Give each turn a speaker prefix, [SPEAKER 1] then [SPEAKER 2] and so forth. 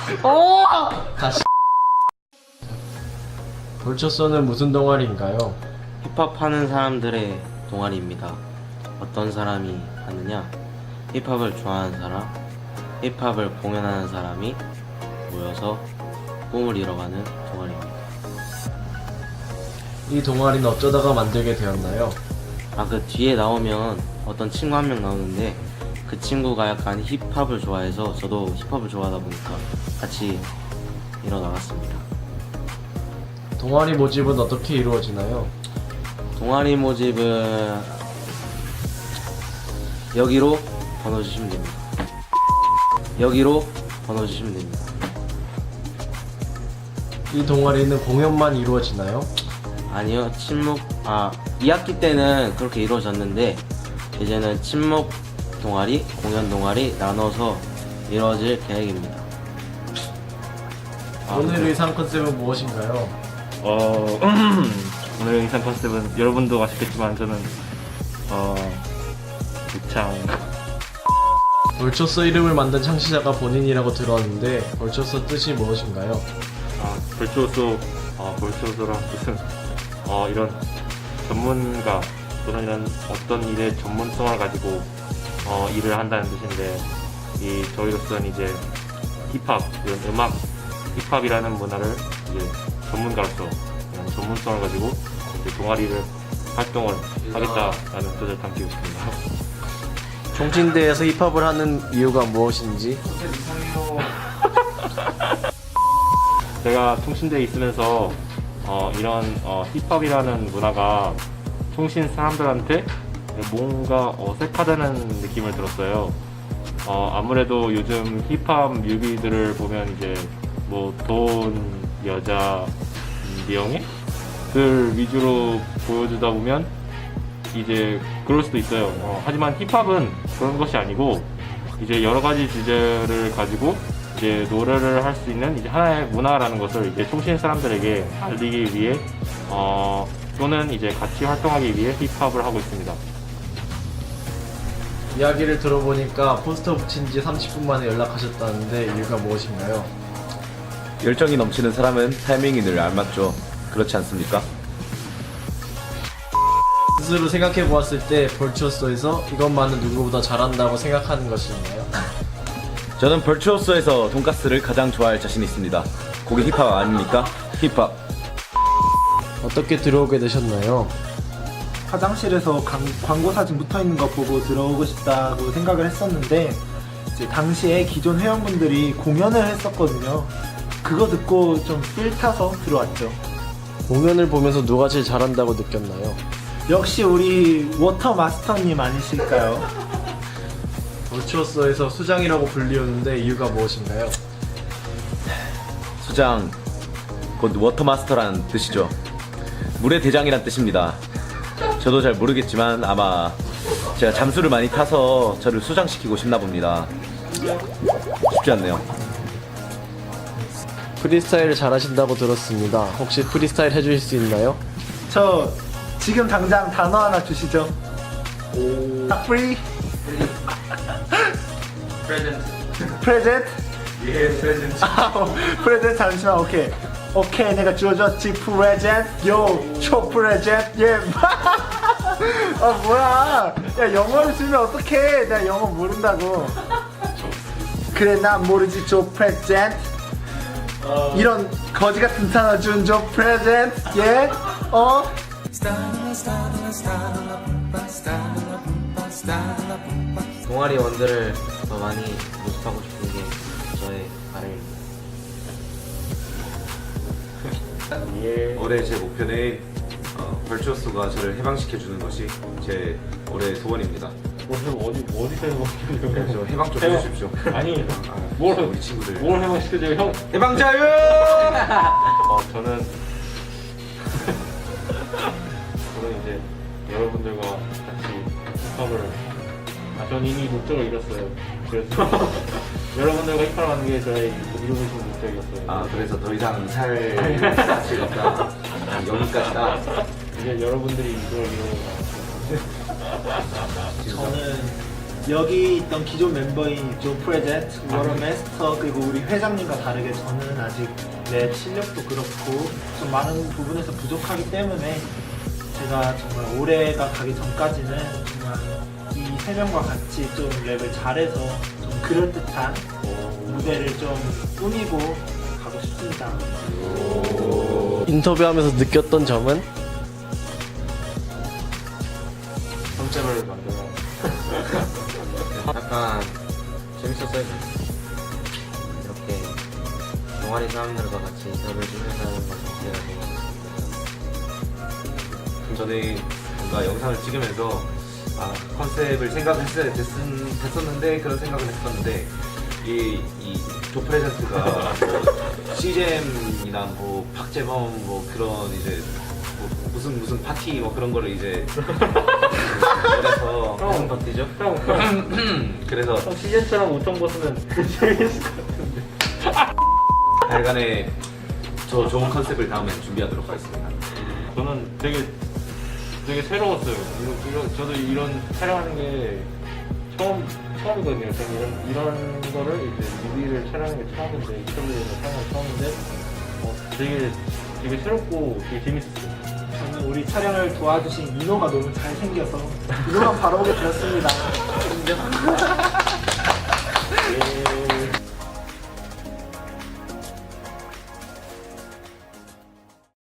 [SPEAKER 1] 다시. 벌초소는 무슨 동아리인가요?
[SPEAKER 2] 힙합 하는 사람들의 동아리입니다. 어떤 사람이 하느냐? 힙합을 좋아하는 사람, 힙합을 공연하는 사람이 모여서 꿈을 이뤄가는 동아리입니다.
[SPEAKER 1] 이 동아리는 어쩌다가 만들게 되었나요?
[SPEAKER 2] 그 뒤에 나오면 어떤 친구 한 명 나오는데 그 친구가 약간 힙합을 좋아해서 저도 힙합을 좋아하다 보니까 같이 일어나갔습니다.
[SPEAKER 1] 동아리 모집은 어떻게 이루어지나요?
[SPEAKER 2] 동아리 모집은 여기로 번호 주시면 됩니다. 여기로 번호 주시면 됩니다.
[SPEAKER 1] 이 동아리는 공연만 이루어지나요?
[SPEAKER 2] 아니요, 2학기 때는 그렇게 이루어졌는데 이제는 친목 동아리, 공연 동아리 나눠서 이루어질 계획입니다.
[SPEAKER 1] 오늘 의상 컨셉은 무엇인가요?
[SPEAKER 3] 오늘 의상 컨셉은 여러분도 아시겠지만 저는 유창.
[SPEAKER 1] 벌초소 이름을 만든 창시자가 본인이라고 들었는데 벌초소 뜻이 무엇인가요?
[SPEAKER 3] 벌초소란 뜻은 이런 전문가 또는 이런 어떤 일의 전문성을 가지고 일을 한다는 뜻인데 저희로서는 이제 힙합, 이런 음악, 힙합이라는 문화를 이제 전문가로서 이런 전문성을 가지고 이제 동아리를 활동을 하겠다라는 뜻을 담기고 있습니다.
[SPEAKER 1] 총신대에서 힙합을 하는 이유가 무엇인지?
[SPEAKER 3] 제가 총신대에 있으면서 이런 힙합이라는 문화가 총신 사람들한테 뭔가 어색하다는 느낌을 들었어요. 아무래도 요즘 힙합 뮤비들을 보면 이제 뭐 돈, 여자, 명예들 위주로 보여주다 보면 이제 그럴 수도 있어요. 하지만 힙합은 그런 것이 아니고 이제 여러 가지 주제를 가지고 이제 노래를 할 수 있는 이제 하나의 문화라는 것을 이제 총신 사람들에게 알리기 위해 또는 이제 같이 활동하기 위해 힙합을 하고 있습니다.
[SPEAKER 1] 이야기를 들어보니까 포스터 붙인 지 30분 만에 연락하셨다는데 이유가 무엇인가요?
[SPEAKER 4] 열정이 넘치는 사람은 타이밍이 늘 알맞죠. 그렇지 않습니까?
[SPEAKER 1] 스스로 생각해 보았을 때 벌초소에서 이것만은 누구보다 잘한다고 생각하는 것이 있나요?
[SPEAKER 4] 저는 벌추어스에서 돈가스를 가장 좋아할 자신이 있습니다. 거기 힙합 아닙니까? 힙합.
[SPEAKER 1] 어떻게 들어오게 되셨나요?
[SPEAKER 5] 화장실에서 광고 사진 붙어있는 거 보고 들어오고 싶다고 생각을 했었는데 이제 당시에 기존 회원분들이 공연을 했었거든요. 그거 듣고 좀 필 타서 들어왔죠.
[SPEAKER 1] 공연을 보면서 누가 제일 잘한다고 느꼈나요?
[SPEAKER 5] 역시 우리 워터 마스터님 아니실까요?
[SPEAKER 1] 벌초소에서 수장이라고 불리우는데 이유가 무엇인가요?
[SPEAKER 4] 수장, 곧 워터마스터라는 뜻이죠. 물의 대장이란 뜻입니다. 저도 잘 모르겠지만 아마 제가 잠수를 많이 타서 저를 수장시키고 싶나 봅니다. 쉽지 않네요.
[SPEAKER 1] 프리스타일을 잘하신다고 들었습니다. 혹시 프리스타일 해주실 수 있나요?
[SPEAKER 5] 저 지금 당장 단어 하나 주시죠. 프리 프레젠트.
[SPEAKER 4] 예, 프레젠트.
[SPEAKER 5] 프레젠트 잠시만. 오케이 내가 주어줬지. 프레젠트 초 프레젠트 예. 뭐야, 야 영어를 쓰면 어떡해. 내가 영어 모른다고. 그래 난 모르지. 조 프레젠트. 이런 거지 같은 단어 준 조 프레젠트 예.
[SPEAKER 2] 동아리원들을 더 많이 모집하고 싶은 게 저의 바람입니다.
[SPEAKER 4] 올해 제 목표는 벌추어스가 저를 해방시켜주는 것이 제 올해 소원입니다.
[SPEAKER 3] 어디서
[SPEAKER 4] 네, 저 해방 좀 해주십시오.
[SPEAKER 3] 아니,
[SPEAKER 4] 우리 친구들.
[SPEAKER 3] 뭘 해방시켜줘요, 형?
[SPEAKER 4] 해방자유!
[SPEAKER 3] 저는 이제 여러분들과 같이 힙합을 저는 이미 목적을 이뤘어요. 그래서 여러분들과 힙합을 하는 게 저의 이루고 싶은 목적이었어요.
[SPEAKER 4] 그래서 더 이상 살 가치가 없다. 여기까지다.
[SPEAKER 3] 이제 여러분들이 이걸 이루고
[SPEAKER 1] 저는
[SPEAKER 5] 여기 있던 기존 멤버인 조 프레젠트, 워런 메스터 그리고 우리 회장님과 다르게 저는 아직 랩 실력도 그렇고 좀 많은 부분에서 부족하기 때문에 제가 정말 올해가 가기 전까지는 정말 이 세 명과 같이 좀 랩을 잘해서 좀 그럴듯한 무대를 좀 꾸미고 가고 싶습니다.
[SPEAKER 1] 인터뷰하면서 느꼈던 점은
[SPEAKER 3] 컨셉을 만들어.
[SPEAKER 2] 약간 재밌었어요. 이렇게 동아리 사람들과 같이 인터뷰를 하면서 하는 것 자체가 되게
[SPEAKER 4] 저는 뭔가 영상을 찍으면서 컨셉을 됐었는데 그런 생각을 했었는데 이 조프레젠트가 뭐 시잼이나 뭐 박재범 뭐 그런 이제 뭐 무슨 파티 뭐 그런 거를 이제 그래서
[SPEAKER 2] 무슨 파티죠?
[SPEAKER 4] 그래서
[SPEAKER 3] 시즌처럼 우통 벗으면 재밌을 것 같은데.
[SPEAKER 4] 하여간에 저 좋은 컨셉을 다음엔 준비하도록 하겠습니다.
[SPEAKER 3] 저는 되게 새로웠어요. 저도 이런 촬영하는 게 처음이거든요. 저는 이런 거를 이제 뮤비를 촬영하는 게 처음인데, 인터뷰를 촬영하는 게 처음인데, 되게 새롭고 되게 재밌었어요.
[SPEAKER 5] 저는 우리 촬영을 도와주신 민호가 너무 잘생겨서 민호만 바라보게 되었습니다.